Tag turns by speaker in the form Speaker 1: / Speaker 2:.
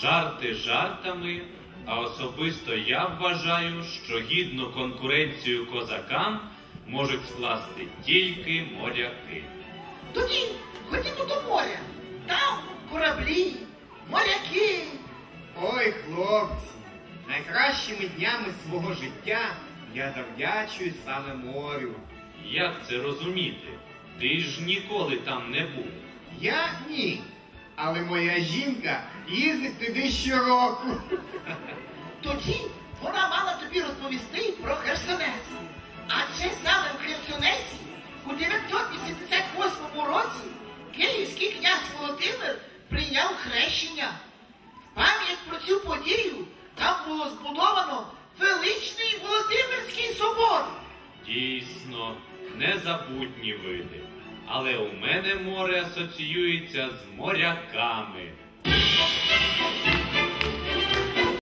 Speaker 1: Жарти жартами, а особисто я вважаю, що гідну конкуренцію козакам можуть скласти тільки моряки.
Speaker 2: Тоді ходімо до моря. Там кораблі, моряки.
Speaker 3: Ой, хлопці, найкращими днями свого життя я завдячую саме морю.
Speaker 1: Як це розуміти? Ти ж ніколи там не був.
Speaker 3: Я ні, але моя жінка їздить туди щороку.
Speaker 2: Тоді вона мала тобі розповісти про Херсонес. Адже саме в Херсонесі у 988 році київський князь Володимир прийняв хрещення. В пам'ять про цю подію там було збудовано величний Володимирський собор.
Speaker 1: Дійсно, незабутні види. Але у мене море асоціюється з моряками.